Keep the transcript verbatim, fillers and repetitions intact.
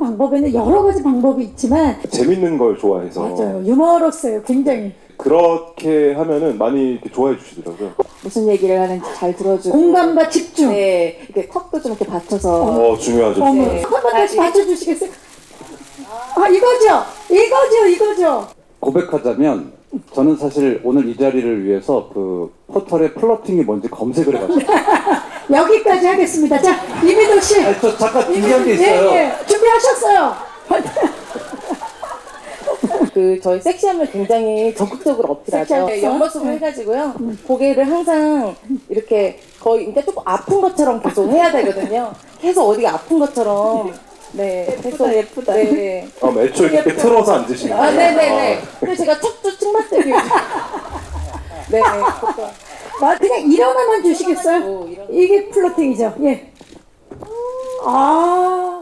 방법에는 여러 가지 방법이 있지만 재밌는 걸 좋아해서 맞아요. 유머러스예요. 굉장히. 그렇게 하면은 많이 이렇게 좋아해 주시더라고요. 무슨 얘기를 하는지 잘 들어주고 공감과 집중. 네, 이렇게 턱도 좀 이렇게 받쳐서 어, 중요하죠. 어머, 네. 한번 다시 맞춰주시겠어요? 아, 이거죠? 이거죠, 이거죠. 고백하자면 저는 사실 오늘 이 자리를 위해서 그 포털에 플러팅이 뭔지 검색을 해봤어요. 여기까지 하겠습니다. 자, 이민호 씨. 아니, 저 잠깐 준비한 게 있어요. 예, 예. 준비하셨어요. 그 저희 섹시함을 굉장히 적극적으로 어필하죠. 섹시하죠? 네, 옆모습을 해가지고요. 고개를 항상 이렇게 거의 그러니까 조금 아픈 것처럼 계속 해야 되거든요. 계속 어디가 아픈 것처럼. 네, 계속 예쁘다. 네. 아, 애초에 이렇게 틀어서 앉으시는 아, 거예요? 네네네. 그래서 제가 척추 측만대기. 네. 아, 그냥 일어나만 주시겠어요? 오, 이런- 이게 플러팅이죠. 예. 아.